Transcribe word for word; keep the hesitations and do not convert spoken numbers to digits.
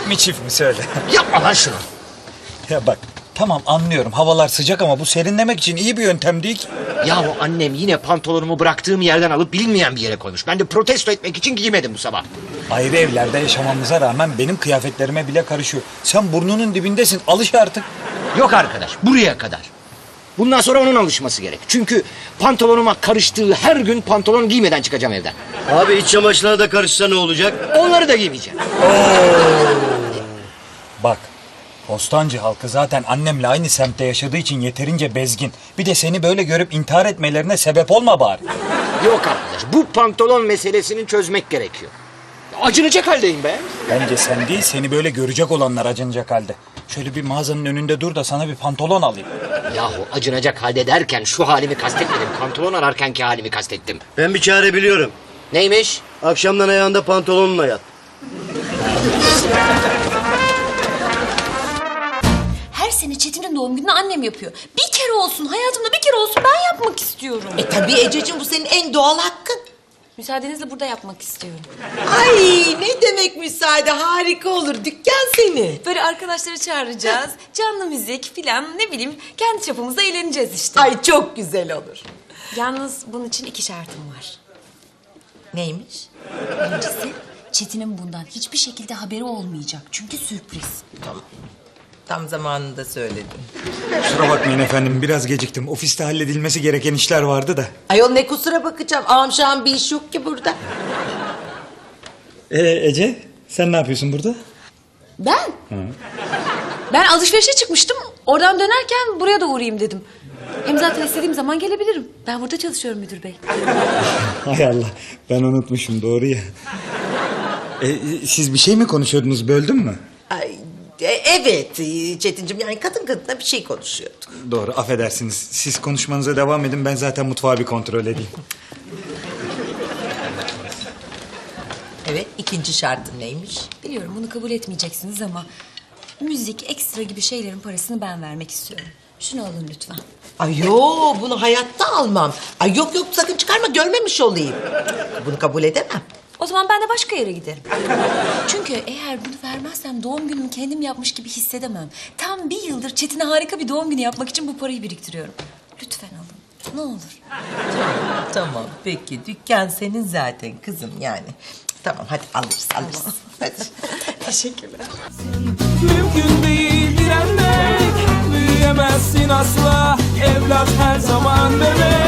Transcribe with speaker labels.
Speaker 1: Tek mi çift mi söyle.
Speaker 2: Yapma lan şunu.
Speaker 1: Ya bak tamam anlıyorum havalar sıcak ama bu serinlemek için iyi bir yöntem değil ki.
Speaker 2: Yahu annem yine pantolonumu bıraktığım yerden alıp bilinmeyen bir yere koymuş. Ben de protesto etmek için giymedim bu sabah.
Speaker 1: Ayrı evlerde yaşamamıza rağmen benim kıyafetlerime bile karışıyor. Sen burnunun dibindesin alış artık.
Speaker 2: Yok arkadaş, buraya kadar. Bundan sonra onun alışması gerek. Çünkü pantolonuma karıştığı her gün pantolon giymeden çıkacağım evden.
Speaker 3: Abi iç çamaşırına da karışsa ne olacak?
Speaker 2: Onları da giymeyeceğim.
Speaker 1: Bak Bostancı halkı zaten annemle aynı semtte yaşadığı için yeterince bezgin. Bir de seni böyle görüp intihar etmelerine sebep olma bari.
Speaker 2: Yok arkadaş, bu pantolon meselesini çözmek gerekiyor. Acınacak haldeyim be.
Speaker 1: Bence sen değil seni böyle görecek olanlar acınacak halde. Şöyle bir mağazanın önünde dur da sana bir pantolon alayım.
Speaker 2: Yahu acınacak halde derken şu halimi kastetmedim. Pantolon ararkenki halimi kastettim.
Speaker 3: Ben bir çare biliyorum.
Speaker 2: Neymiş?
Speaker 3: Akşamdan ayağında pantolonunla yat.
Speaker 4: Her sene Çetin'in doğum gününü annem yapıyor. Bir kere olsun, hayatımda bir kere olsun ben yapmak istiyorum.
Speaker 5: E tabii Ececiğim, bu senin en doğal hakkın.
Speaker 4: Müsaadenizle burada yapmak istiyorum.
Speaker 5: Ay ne demek müsaade, harika olur, dükkan seni.
Speaker 4: Böyle arkadaşları çağıracağız. Canlı müzik filan ne bileyim kendi çapımızda eğleneceğiz işte.
Speaker 5: Ay çok güzel olur.
Speaker 4: Yalnız bunun için iki şartım var.
Speaker 5: Neymiş?
Speaker 4: Birincisi Çetin'in bundan hiçbir şekilde haberi olmayacak. Çünkü sürpriz.
Speaker 5: Tam zamanında söyledin.
Speaker 1: Kusura bakmayın efendim biraz geciktim. Ofiste halledilmesi gereken işler vardı da.
Speaker 5: Ayol ne kusura bakacağım, amşan bir iş yok ki burada.
Speaker 1: Ee Ece sen ne yapıyorsun burada?
Speaker 4: Ben? Ben alışverişe çıkmıştım. Oradan dönerken buraya da uğrayayım dedim. Hem zaten istediğim zaman gelebilirim. Ben burada çalışıyorum müdür bey.
Speaker 1: Hay Allah ben unutmuşum doğru ya. Ee, siz bir şey mi konuşuyordunuz böldüm mü?
Speaker 5: Ay, e, evet e, Çetincim, yani kadın kadına bir şey konuşuyorduk.
Speaker 1: Doğru affedersiniz. Siz konuşmanıza devam edin ben zaten mutfağı bir kontrol edeyim.
Speaker 5: Evet, ikinci şartın neymiş?
Speaker 4: Biliyorum bunu kabul etmeyeceksiniz ama... müzik, ekstra gibi şeylerin parasını ben vermek istiyorum. Şunu alın lütfen.
Speaker 5: Ay yo, bunu hayatta almam. Ay yok yok, sakın çıkarma, görmemiş olayım. Bunu kabul edemem.
Speaker 4: O zaman ben de başka yere giderim. Çünkü eğer bunu vermezsem doğum günümü kendim yapmış gibi hissedemem. Tam bir yıldır Çetin'e harika bir doğum günü yapmak için bu parayı biriktiriyorum. Lütfen alın. Ne olur.
Speaker 5: Tamam peki, dükkan senin zaten kızım yani. Tamam hadi alırız alırız. Hadi.
Speaker 4: Teşekkürler.
Speaker 6: Mümkün değil direnmek, büyüyemezsin asla. Evlat her zaman bebek.